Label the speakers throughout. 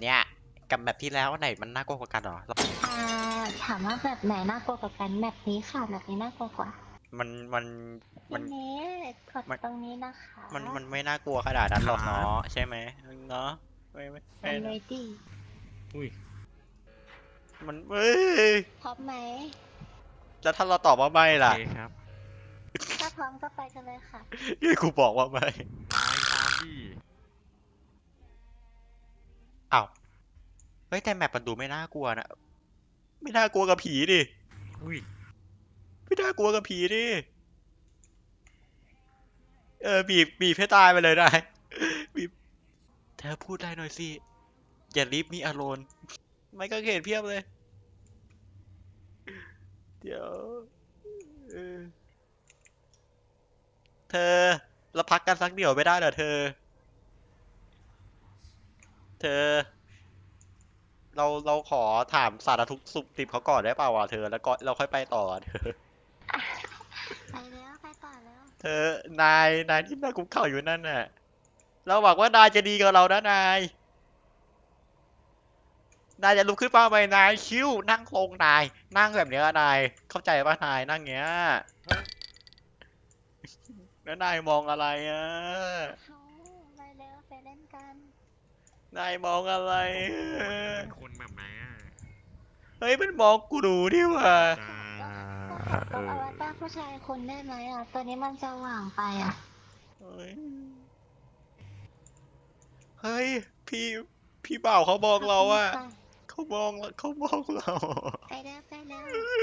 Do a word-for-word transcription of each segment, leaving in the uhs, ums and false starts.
Speaker 1: เนี้ยกับแบบที่แล้วไหนมันน่ากลัวกว่ากันหรอ
Speaker 2: อ่าถามว่าแบบไหนน่ากลัวกว่ากันแบบนี้ค่ะแบบนี้น่ากลัวกว่า
Speaker 1: มันมัน
Speaker 2: ที
Speaker 1: มัน
Speaker 2: นี้กด
Speaker 1: มัน
Speaker 2: ตรงนี้นะคะ
Speaker 1: มันมันไม่น่ากลัวขนาดนั้นหรอก
Speaker 3: ครับ
Speaker 1: เนาะใช่ไหมเนาะไม่ไม่
Speaker 2: เป็
Speaker 1: ไม่
Speaker 2: นเล
Speaker 1: นะ
Speaker 2: ดี้
Speaker 3: อุ้ย
Speaker 1: มันเอ้ย
Speaker 2: พร้อมไหม
Speaker 1: แล้วถ้าเราตอบว่าไม่
Speaker 3: โอเค
Speaker 1: ล่ะ
Speaker 3: ครับ
Speaker 2: ถ้าพร้อมก็ไปกันเลยค่ะ
Speaker 1: ยี่กูบอกว่าไม่
Speaker 3: ตายตามดิ
Speaker 1: อ้าวเฮ้ยแต่แมปมันดูไม่น่ากลัวนะไม่น่ากลัวกับผีดิ
Speaker 3: อุ้ย
Speaker 1: ไม่น่ากลัวกับผีดิเออบีบบีบให้ตายไปเลยได้บีบเธอพูดได้หน่อยสิอย่าลิฟมีอารมณ์ไม่ก็เห็นเพียบเลยเดี๋ยวเออเธอเราพักกันสักเดี๋ยวไม่ได้เหรอเธอ เธอ เราเราขอถามสารทุกข์สุขดิบเขาก่อนได้เปล่าวะเธอแล้วก็เราค่อยไปต่อเธอ
Speaker 2: ไปแล้วไปต่อแล้ว
Speaker 1: เธอนายนายที่นั่งคุกเข่าอยู่นั่นน่ะเราหวังว่านายจะดีกับเรานะนายนายจะลุกขึ้นมาไหมนายคิ้วนั่งลงนายนั่งแบบเนี้ยนายเข้าใจป่ะนายนั่งเงี้ยแล้วนายมองอะไรอ่ะ
Speaker 2: เขาไปแล้วไปเล่นกัน
Speaker 1: นายมองอะไรอ
Speaker 3: เป็นคนแบบไหนอ่ะ
Speaker 1: เฮ้ยมันมองกูดูดิว่ะ
Speaker 3: จ้า
Speaker 2: ก็ก็
Speaker 3: เอ
Speaker 2: เอา
Speaker 3: อ
Speaker 2: ไว้ป้าผู้ชายคนได้ไหมอ่ะตัวนี้มันจะหว่างไปอ่ะ
Speaker 1: เฮ้ยเฮ้ยพี่พี่บ่าวเขามอง
Speaker 2: ขอบ
Speaker 1: เรา
Speaker 2: คุณ
Speaker 1: อะ
Speaker 2: ค่ะ
Speaker 1: เขามองเขามองเรา
Speaker 2: ไปแล้วไปแล้ว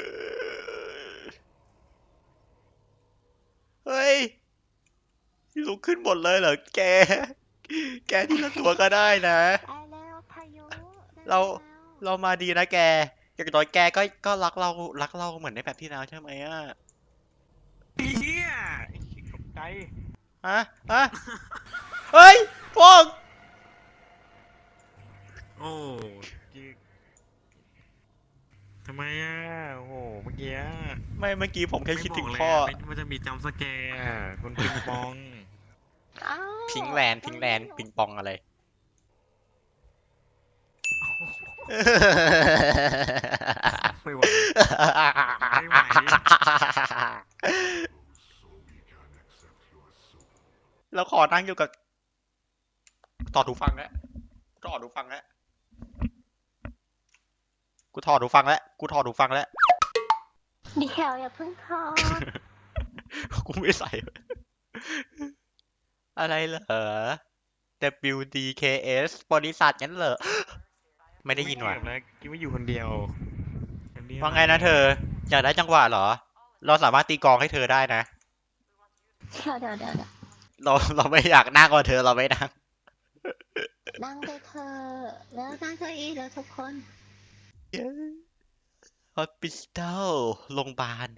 Speaker 1: เฮ้ยลุกขึ้นหมดเลยเหรอแก แกที่ละตัวก็ได้นะ
Speaker 2: ไปแล้วพายุได้
Speaker 1: เรา
Speaker 2: แล้ว
Speaker 1: เรามาดีนะแกอย่างน้อยแกก็ก็รักเรารักเราเหมือนในแบบที่แล้วใช่ไหมอ่ะ
Speaker 3: เฮียตกใจ
Speaker 1: ฮะฮะเฮ้ยพวก
Speaker 3: โอ้จิกทำไมอ่ะโอ้โหเมื่อกี้อะ
Speaker 1: ไม่เมื่อกี้ผมแค่
Speaker 3: ไม่
Speaker 1: คิด
Speaker 3: บอกเลย
Speaker 1: ถึงพ่อ
Speaker 3: อะไม่มันจะมีจัมป์สแกร์อะคุณปิงปอง
Speaker 2: อ้าว
Speaker 1: พิงแลนด์พิงแลนด์ปิงปองอะไร
Speaker 3: ไม่ไหวไม่ไหว
Speaker 1: เราขอนั่งอยู่กับถอดหูฟังแล้วถอดหูฟังแล้วกูถอดหูฟังแล้วกูถอดหูฟังแล้ว
Speaker 2: เดี๋ยวอย่าเพิ่งทอด
Speaker 1: กูไม่ใส่ อะไรเหรอ ดับเบิลยู ดี เค เอส บริษัทงั้นเหรอ ไม่ได้ยินว่ะ
Speaker 3: ไม่เกี่ยวนะกิ๊บไม่อยู่คนเดียวคนเดียว
Speaker 1: ว่าไงนะเธอ อยากได้จังหวะเหรอ เราสามารถตีกลองให้เธอได้นะ
Speaker 2: เดี๋ยวเดี๋ยวเดี๋ยวเดี๋ยว
Speaker 1: เราเราไม่อยากนั่งกับเธอเราไม่นั่ง
Speaker 2: นั่งไปเธอะแล้วนั่งเก้าอี้แล้วทุกคน
Speaker 1: ฮอสปิทอลโรงพยาบาล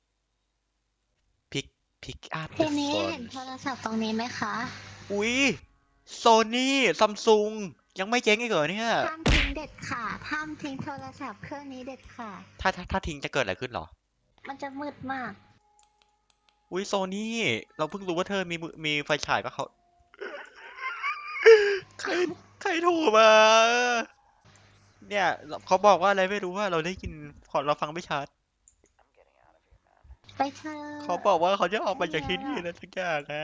Speaker 1: พิกพิกอัพ
Speaker 2: ทีนี้เห็นโทรศัพท์ตรงนี้ไหมคะ
Speaker 1: อุ๊ยโซนี่ซัมซุงยังไม่เจ๊งอีกเหรอเนี่ย
Speaker 2: ห้ามทิ้งเด็ดขาดห้ามทิ้งโทรศัพท์เครื่องนี้เด็ดขาด
Speaker 1: ถ้าถ้าถ้าทิ้งจะเกิดอะไรขึ้นเหรอ
Speaker 2: มันจะมืดมาก
Speaker 1: อุ๊ยโซนี่เราเพิ่งรู้ว่าเธอมีมือมีไฟฉายก็เขา ใครใครโทรมา เนี่ยเขาบอกว่าอะไรไม่รู้ว่าเราได้ยินขอเราฟังไม่ชัด
Speaker 2: ไปเธอะ
Speaker 1: เขาบอกว่าเขาจะออกไปจากที่นี่นะทุกอย่างนะ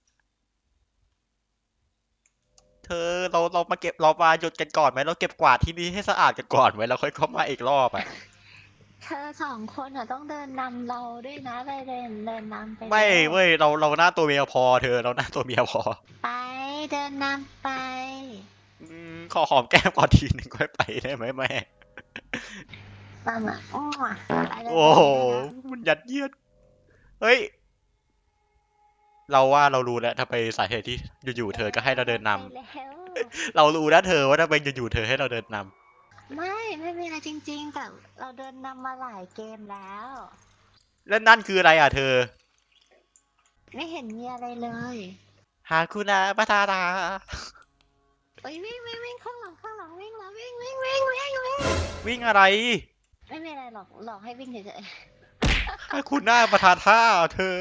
Speaker 1: เธอเราเรามาเก็บเรามาหยุดกันก่อนไหมเราเก็บกวาดที่นี่ให้สะอาดกันก่อนไหมเราค่อยเข้ามาอีกรอบอ่ะ
Speaker 2: เธอสองคนอ่ะต้องเดินนำเราด้วยนะไปเดินเดินนำไป
Speaker 1: ไม่
Speaker 2: ร็ว
Speaker 1: เว้ยเราเราหน้าตัวเมียพอเธอเราหน้าตัวเมียพอ
Speaker 2: ไปเดินนำไป
Speaker 1: อืมขอหอมแก้มก่อนทีหนึ่งค่อยไปได้ไหมแม่
Speaker 2: มามาอ้อไปเลย
Speaker 1: โอ้โห
Speaker 2: ไปเลย
Speaker 1: มันยัดเยียดเฮ้ย เราว่าเรารู้แล้วทำไมสาเหตุที่อยู่ๆเธอก็ให้เราเดินนำ
Speaker 2: ไปแล้ว
Speaker 1: เรารู้นะเธอว่าทำไมอยู่ๆเธอให้เราเดินนำ
Speaker 2: ไม่ไม่มีอะไรจริงๆแต่เราเดินนำมาหลายเกมแล้ว
Speaker 1: แล้วนั่นคืออะไรอ่ะเธอ
Speaker 2: ไม่เห็นมีอะไรเลย
Speaker 1: ฮาคุนาปาทารา
Speaker 2: เอ้ยวิ่งวิ่งวิ่งข้างหลังข้างหลังวิ่งแล้ววิ่งวิ่งวิ่งวิ่งวิ่ง
Speaker 1: วิ่งอะไร
Speaker 2: ไม่มีอะไรหรอกหลอกให้วิ่งเฉย
Speaker 1: ฮาคุนาปาทาท่าเธอ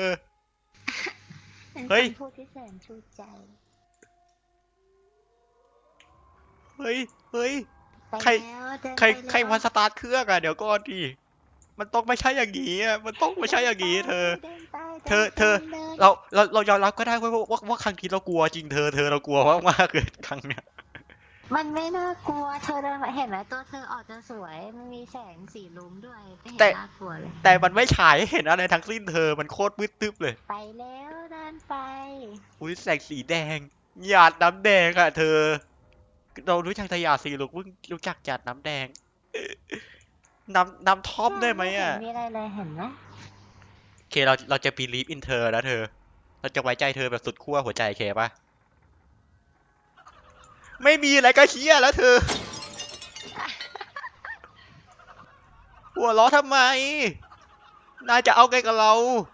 Speaker 2: ๆเป็น
Speaker 1: เฮ้ย
Speaker 2: คำพูดที่แสนชูใจ
Speaker 1: เฮ้ยเฮ้ย
Speaker 2: ไป
Speaker 1: ใคร
Speaker 2: แล้วเดิน
Speaker 1: ใคร
Speaker 2: ไปแล้ว
Speaker 1: ใครมาสตาร์ทเครื่องอะเดี๋ยวก่อนดิมันต้องไม่ใช่อย่างนี้อะมันต้องไม่ใช่อย่างนี้เธอ
Speaker 2: ดินไป
Speaker 1: เธอเธอ
Speaker 2: ดินไปดิน
Speaker 1: เราเราเรายอมรับก็ได้ว่าว่าว่าครั้งที่เรากลัวจริงเธอเธอเรากลัวมากมากๆเลยครั้งเนี้ย
Speaker 2: มันไม่น่ากลัวเธอเดินมาเห็นไหมตัวเธอออกจะสวยมันมีแสงสีลุ้งด้วยไม่เห็น
Speaker 1: แต่
Speaker 2: น่ากลัวเลย
Speaker 1: แต่มันไม่ฉายให้เห็นอะไรทั้งสิ้นเธอมันโคตรมืดตึ๊บเลย
Speaker 2: ไปแล้วเดินไป
Speaker 1: อุ้ยแสงสีแดงหยาดน้ำแดงอะเธอ เรารู้จักแต่หยาดสีลูกเพิ่งรู้จักหยาดน้ำแดง น้ำน้ำท่อมได้ไหมอะ
Speaker 2: เห็นมีอะไรเลยเห็นไหม
Speaker 1: โอเคเราเราจะ believe in เธอแล้วเธอ เราจะไว้ใจเธอแบบสุดขั้วหัวใจโอเคปะไม่มีอะไรก็เชี่ยแล้วเธอ หัวเราะทำไม นายจะเอาไงกับเรา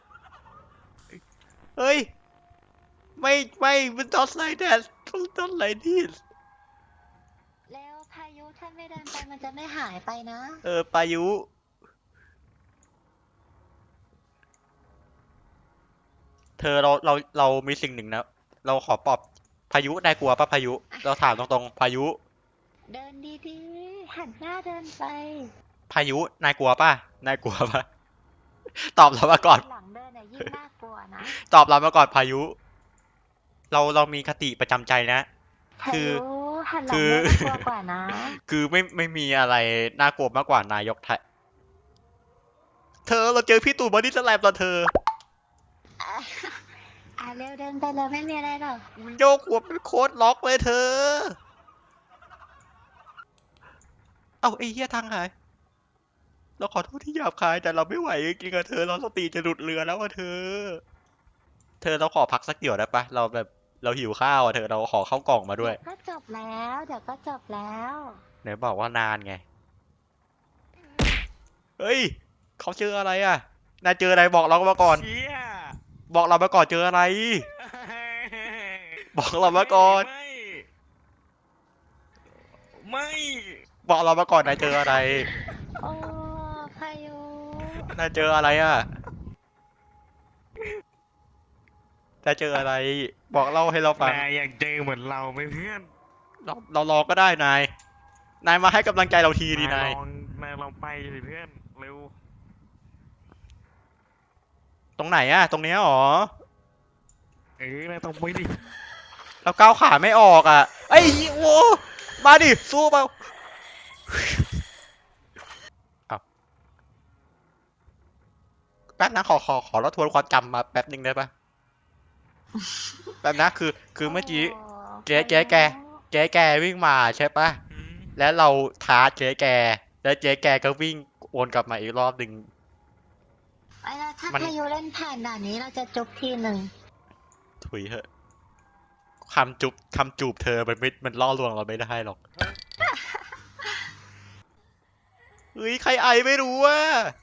Speaker 1: เฮ้ย ไม่ไม่มันต้องไล่แดดต้องต้องไล่ดิส
Speaker 2: แล้วพายุถ้าไม่เดินไปมันจะไม่หายไปนะ
Speaker 1: เออพายุ เธอเราเราเรามีสิ่งหนึ่งนะ เราขอปลอบพายุนายกลัวปะพายุ เราถามตรงๆพายุ
Speaker 2: เดินดีๆหันหน้าเดินไป
Speaker 1: พายุนายกลัวปะนายกลัวปะ ตอบเรามาก่อน
Speaker 2: หลังเดินเนี่ยยิ่งน่ากลัวนะ
Speaker 1: ตอบเรามาก่อนพายุ เราเรามีคติประจำใจนะ
Speaker 2: พา
Speaker 1: คือ
Speaker 2: ยุหันหลั
Speaker 1: คื
Speaker 2: ง
Speaker 1: อ
Speaker 2: เดินน่ากลัวกว่านะ
Speaker 1: คือไม่ไม่มีอะไรน่ากลัวมากกว่านายกไทย เธอเราเจอพี่ตู่บอดี้สแลมแล้วเธอ
Speaker 2: อ่ะเร็วเดินไปเลยไม่มีอะไรหรอก
Speaker 1: มันโยกหัวเป็นโค้ดล็อกเลยเธอ เอ้าไอ้เหี้ยทางหาย เราขอโทษที่หยาบคายแต่เราไม่ไหวจริงๆอะเธอเราสติจะหลุดเรือแล้วอะเธอ เธอเราขอพักสักเดี๋ยวได้ปะเราแบบเราหิวข้าวอะเธอเราขอข้าวกล่องมาด้วย
Speaker 2: เดี๋ยวก็จบแล้วเดี๋ยวก็จบแล้ว
Speaker 1: ไหนบอกว่านานไง เฮ้ยเขาเจออะไรอะนายเจออะไรบอกเรามาก่อน
Speaker 3: เชี่ย
Speaker 1: บอกเรามาก่อนเจออะไร บอกเรามาก่อน
Speaker 3: ไม่ ไม่
Speaker 1: บอกเรามาก่อนนายเจออะไร
Speaker 2: โอ้พายุ
Speaker 1: นายเจออะไรอะนายเจออะไร บอกเล่าให้เราฟัง
Speaker 3: นายอยากเจอเหมือนเราไหมเพื่อน
Speaker 1: เราเรารอก็ได้นาย นายมาให้กำลังใจเราทีดีนาย
Speaker 3: ลองนายลองไปสิเพื่อนเร็ว
Speaker 1: ตรงไหนอะตรงเนี้ยหรอ
Speaker 3: เออนายต้องไปดิ
Speaker 1: เราก้าวขาไม่ออกอะไอ้ยโว้มาดิ สู้เปล่าเอาแป๊บนะขอขอขอเราทวนความจำมาแป๊บนึงได้ปะแป๊บนะคือ คือเมื่อกี้
Speaker 2: โ
Speaker 1: เจ๊เจ๊แก เจ๊แกวิ่งมาใช่ปะ
Speaker 3: อืม
Speaker 1: แล้วเราท้าเจ๊แก แล้วเจ๊แกก็วิ่งโอนกลับมาอีกรอบหนึ่ง
Speaker 2: ไอ้แล้วถ้า
Speaker 1: มัน
Speaker 2: พายุเล่นผ่านด่านนี้เราจะจบทีหนึ่ง
Speaker 1: ถุยเหอะคำจุบคำจูบเธอมันไม่มันล่อลวงเราไม่ได้หรอก เฮ้ย ใครไอไม่รู้ว่า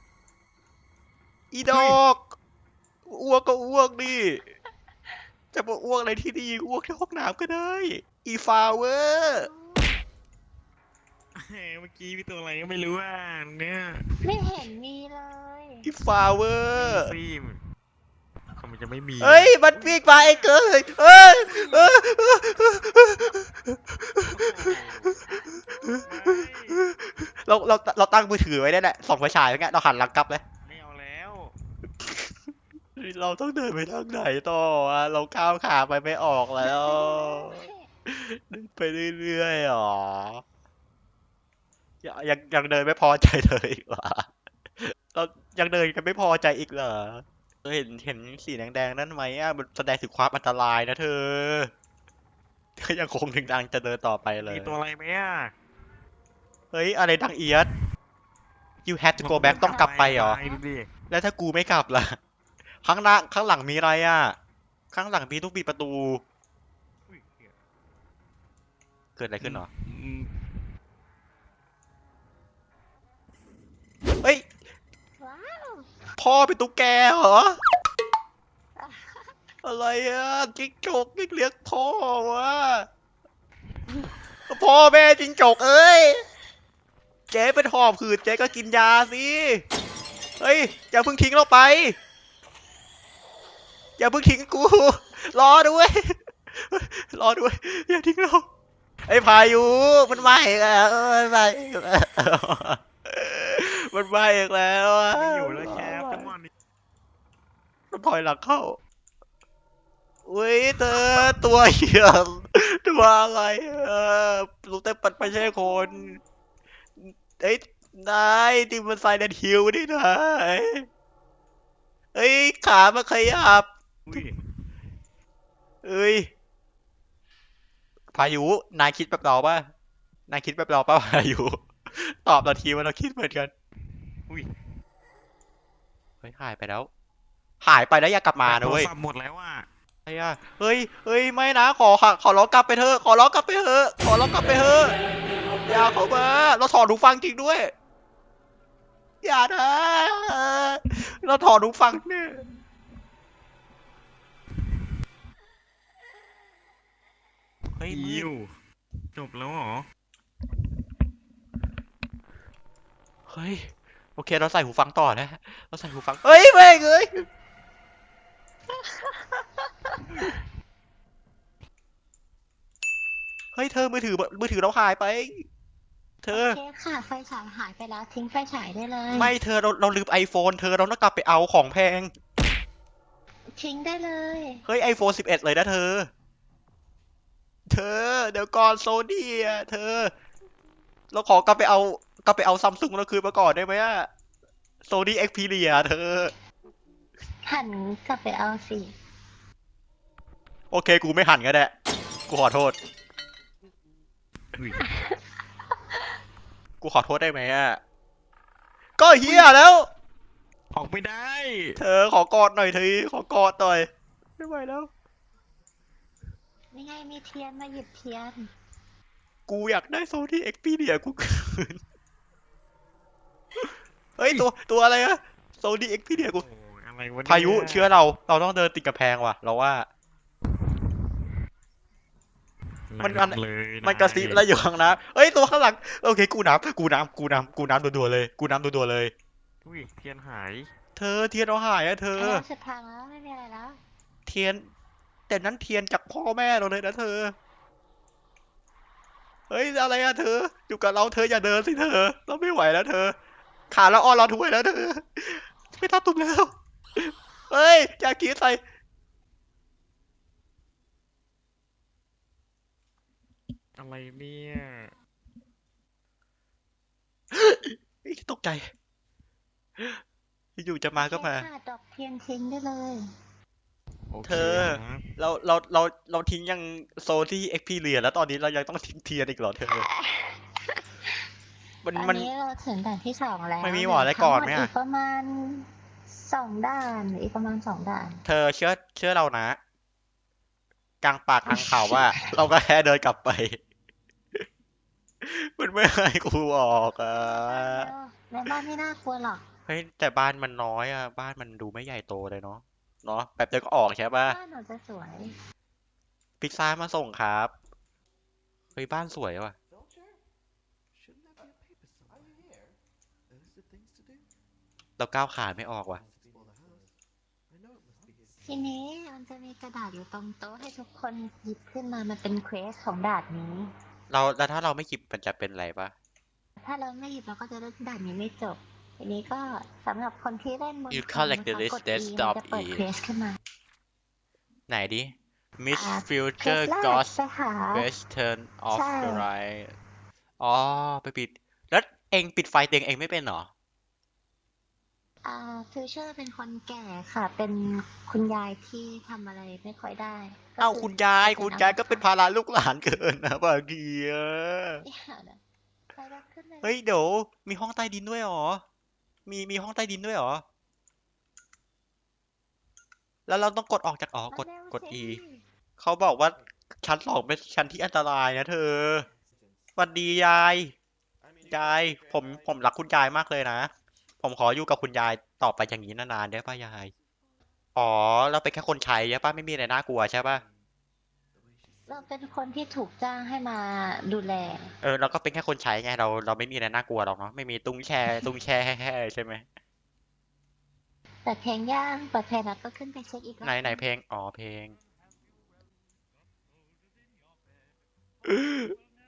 Speaker 1: อีดอกอ้วกก็อ้วกดิจะมาอ้วกอะไรที่นี่อ้วกที่ห้องน้ำก็ได้ อีฟาเวอร์
Speaker 3: เฮ้ยเมื่อกี้มีตัวอะไรก็ไม่รู้อ่ะเนี่ย
Speaker 2: ไม่เห็นมีเลย
Speaker 1: อีฟาเวอร์
Speaker 3: ซีมเขามันจะไม่มี
Speaker 1: เฮ้ย มันวิ่งมาไอ้เกินเอ้ยเอ้ยเอ้ยเราเราเราตั้งมือถือไว้ได้แหละส่องไฟฉายไว้ไงเราหันหลังกลับเลย
Speaker 3: ไม่เอาแล้ว
Speaker 1: เราต้องเดินไปทางไหนต่ออะเราก้าวขาไปไม่ออกแล้ว เดินไปเรื่อยๆหรอยังยังยังเดินไม่พอใจเลยอีกเหรอเรายังเดินกันไม่พอใจอีกเหรอเธอเห็นเห็นสีแดงๆนั่นไหมอ่ะมันแสดงถึงความอันตรายนะเธอเธอยังคงถึงดังจะเดินต่อไปเลย
Speaker 3: มีตัวอะไรไหมอ่ะ
Speaker 1: เฮ้ยอะไรดังเอียด you have to go back ต้องกลับไปเหรอ
Speaker 3: ดูดิ
Speaker 1: แล้วถ้ากูไม่กลับล่ะ ข้างหน้าข้างหลังมีอะไรอ่ะ ข้างหลังมีต้องปิดประตู
Speaker 3: อุ้ยเหี้ย
Speaker 1: เกิดอะไรขึ้นหรอ
Speaker 3: อืม
Speaker 1: เฮ้ย
Speaker 2: ว้าว
Speaker 1: พ่อเป็นตุ๊กแกเหรอ อะไรอ่ะจิ้งจกเรียกพ่อวะพ่อแม่จิ้งจกเอ้ย เจ๊เป็นหอบหืดเจ๊ก็กินยาสิ เฮ้ย อย่าเพิ่งทิ้งเราไป อย่าเพิ่งทิ้งกู รอด้วย รอด้วย อย่าทิ้งเราไอ้พายุมันมาอีกแล้วมันมาอีกแล้วมันมาอีกแล้วอะ
Speaker 3: ไม่อยู่แล้วแคปจังหวะนี้
Speaker 1: มันถอยหลังเข้าอุ้ยเธอตัวเหี้ยตัวอะไรเออรู้แต่ปัดไม่ใช่คนเอ้ยนายที่มันไซเลนฮิลนี่นายเอ้ยขามาขยับ
Speaker 3: อุ้ย
Speaker 1: เอ้ยพายุนายคิดแบบเราป่ะนายคิดแบบเราป่ะพายุตอบเราทีว่าเราคิดเหมือนกัน
Speaker 3: อุ้ย
Speaker 1: เฮ้ยหายไปแล้ว หายไปแล้วอย่ากลับมา
Speaker 3: แบต
Speaker 1: นะ
Speaker 3: โทร
Speaker 1: เว้ย
Speaker 3: ศัพท์หมดแล้วอ่ะ
Speaker 1: ไอ้อะเฮ้ยเฮ้ยไม่นะขอค่ะขอร้องกลับไปเถอะขอร้องกลับไปเถอะขอร้องกลับไปเถอะอย่าเข้ามาเราถอดหูฟังจริงด้วยอย่านะเราถอดหูฟังเนี่ยเฮ้ยมื
Speaker 3: อิ
Speaker 1: ด
Speaker 3: วจบแล้วเหรอ
Speaker 1: เฮ้ยโอเคเราใส่หูฟังต่อนะเราใส่หูฟังเฮ้ยแม่งเอ้ยเฮ้ยเธอมือถือมือถือเราหายไป เธ
Speaker 2: โอ
Speaker 1: อ
Speaker 2: เคค่ะ ไฟฉายหายไปแล้วทิ้งไฟฉายได้เลย
Speaker 1: ไม่เธอเราเราลืมไอโฟนเธอเราต้องกลับไปเอาของแพง
Speaker 2: ทิ้งได้เลย
Speaker 1: เฮ้ยไอโฟนสิบเอ็ดเลยนะเธอ เธอเดี๋ยวก่อนโซนี่อ่ะเธอ เราขอกลับไปเอากลับไปเอาซัมซุงเราคืนมาก่อนได้ไหมอะโซนี่เอ็กพีเรียเธอ
Speaker 2: หันกลับไปเอาสิ
Speaker 1: โอเคกูไม่หันก็ได้ กูขอโทษ
Speaker 3: อุ้ย
Speaker 1: กูขอโทษได้ไหมอะก็เฮียแล้ว
Speaker 3: ออกไม่ได้
Speaker 1: เธอขอกอดหน่อยเธอขอกอดหน่อย ไม่ไหวแล้ว
Speaker 2: นี่ไงมีเทียนมาหยิบเทียน
Speaker 1: กูอยากได้โซนี่เอ็กพีเรียกูคืน เฮ้ยตัวตัวอะไรอะโซนี่เอ็กพีเรียกู
Speaker 3: โอ้ยอะไรวะเนี่ย
Speaker 1: พายุเชื่อเรา เราต้องเดินติดกำแพงว่ะ เราว่า มันมัน
Speaker 3: เลย
Speaker 1: มันกระซิบแล้วอยู่ข้างน้ำเอ้ยตัวข้างหลังโอเคกูน้ำกูน้ำกูน้ำกูน้ำดัวๆเลยกูน้ำดัวๆเลย
Speaker 3: อุ้ย เทียนหาย
Speaker 1: เธอเทียนเราหายอะเธอ
Speaker 2: อันนี้สุดทางแล้วไม่มีอะไรแล้ว
Speaker 1: เทียน แต่นั้นเทียนจากพ่อแม่เราเลยนะเธอ เฮ้ยอะไรอะเธอ อยู่กับเราเธออย่าเดินสิเธอ เราไม่ไหวแล้วเธอ ขาเราอ่อนเราถ้วยแล้วเธอ ไม่ทับตุ่มแล้ว เฮ้ยอย่าคิดใส่
Speaker 3: อะไรเนี่ย
Speaker 1: เฮ้ยตกใจ อยู่ๆจะมาก็มา
Speaker 2: แค่ขาดดอกเทียนทิ้งได้เลย
Speaker 3: โอเค
Speaker 1: เธอ
Speaker 3: ครับ
Speaker 1: เราเราเราเราทิ้งยังโซที่เอ็กพีเรียแล้วตอนนี้เรายังต้องทิ้งเทียนอีกเหรอเธอ มัน
Speaker 2: ตอน
Speaker 1: มัน
Speaker 2: นี้เราถึงด่านที่สองแล้ว
Speaker 1: ไม่มีหมออะไรก่อนไหม
Speaker 2: เหลื
Speaker 1: อะ
Speaker 2: ทั้งดอีกประมาณสองด่านหรืออีกประมาณสองด่าน
Speaker 1: เธอเชื่อเชื่อเรานะ กลางป่ากลางเขาว่า เราก็แค่เดินกลับไป มันไม่ให้กูออกอ่ะ
Speaker 2: ในบ้านไม่น่ากลัวหรอก
Speaker 1: เฮ้ยแต่บ้านมันน้อยอ่ะ บ้านมันดูไม่ใหญ่โตเลยเนาะเนาะแป๊บเดียวก็ออกใช่ป่ะ
Speaker 2: บ้านหนูจะสวย
Speaker 1: พิซซ่ามาส่งครับเฮ้ยบ้านสวยว่ะ
Speaker 4: Soldier? Shouldn't that be a paper somewhere? Are you here? Those the things to do?
Speaker 1: เราก้าวขาไม่ออกว่ะ
Speaker 4: Must explore the house. I know it must be here.
Speaker 2: ทีนี้มันจะมีกระดาษอยู่ตรงโต๊ะให้ทุกคนหยิบขึ้นมา มันเป็นเควสของด่านนี้
Speaker 1: เราแล้วถ้าเราไม่หยิบมันจะเป็นอะไรปะ
Speaker 2: ถ้าเราไม่หยิบเราก็จะเล่นด่านนี้ไม่จบ ทีนี้ก็สำหรับคนที่เล่นบน
Speaker 1: You
Speaker 2: คอม
Speaker 1: collect the
Speaker 2: นะคะ
Speaker 1: list
Speaker 2: กด E มัน
Speaker 1: desktop
Speaker 2: จะเปิด
Speaker 1: E
Speaker 2: เควสขึ้นมา
Speaker 1: ไหนดิ Miss
Speaker 2: อ่า
Speaker 1: Future
Speaker 2: เควสแรก
Speaker 1: Ghost
Speaker 2: ไปหา
Speaker 1: Western of
Speaker 2: ใช่
Speaker 1: the Right อ๋อ ไปปิด แล้วเองปิดไฟเตียงเองไม่เป็นเหรอ
Speaker 2: อ่าฟิวเจอร์เป็นคนแก่ค่ะ เป็นคุณยายที่ทำอะไรไม่ค่อยได้ก็
Speaker 1: เอ้า
Speaker 2: คือ
Speaker 1: คุณยาย คุณยายก็เป็นภาระลูกหลานเกินนะบางทีอะ
Speaker 2: อย่านะไปรับขึ้นเลย
Speaker 1: เฮ้ย เดี๋ยว มีห้องใต้ดินด้วยเหรอ มีมีห้องใต้ดินด้วยเหรอ แล้วเราต้องกดออกจากอ๋อ กด
Speaker 2: มาเร็ว
Speaker 1: กด
Speaker 2: สิ
Speaker 1: E เขาบอกว่าชั้นสองเป็นชั้นที่อันตรายนะเธอสวัสดียาย ยาย ผมผมรักคุณยายมากเลยนะ ผมขออยู่กับคุณยายต่อไปอย่างนี้นานๆได้ป่ะยาย อ๋อ เราเป็นแค่คนใช้ใช่ป่ะ ไม่มีอะไรน่ากลัวใช่ป่ะ
Speaker 2: เราเป็นคนที่ถูกจ้างให้มาดูแล
Speaker 1: เออ เราก็เป็นแค่คนใช้ไง เราเราไม่มีอะไรน่ากลัวหรอกเนาะ ไม่มีตุ้งแช่ตุ้งแช่แห่ๆใช่ไหม
Speaker 2: เปิดเพลงย่างเปิดเพลงแล้วก็ขึ้นไปเช็คอีกรอบ
Speaker 1: ไหนไหนเพลง อ๋อ เพลง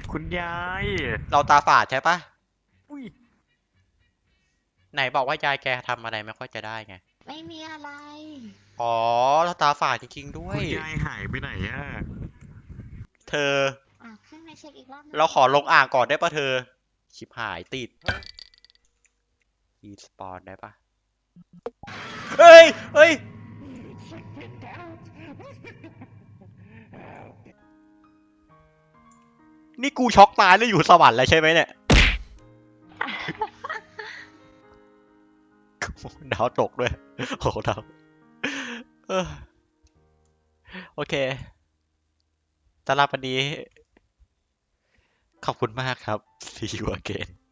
Speaker 3: คุณยาย
Speaker 1: เราตาฝาดใช่ปะ
Speaker 3: อุ้ย
Speaker 1: ไหนบอกว่ายายแกทำอะไรไม่ค่อยจะได้ไง
Speaker 2: ไม่มีอะไร
Speaker 1: อ๋อ เราตาฝาดจริงๆด้ว
Speaker 3: คุ
Speaker 1: ย
Speaker 3: ณยายหายไปไหนอ่ะ
Speaker 1: เธอ
Speaker 2: อ่ะขึ้นไปเช็คอีกรอบนึง
Speaker 1: เราขอลงอ่างก่อนได้ปะเธอ ชิบหายติดรีสปอนได้ปะเฮ้ย เฮ้ย นี่กูช็อกตายแล้วอยู่สวรรค์แล้วใช่ไหมเนี่ย ดาวตกด้วย โอ้โหดาวเออโอเคสำหรับวันนี้ ขอบคุณมากครับ see you again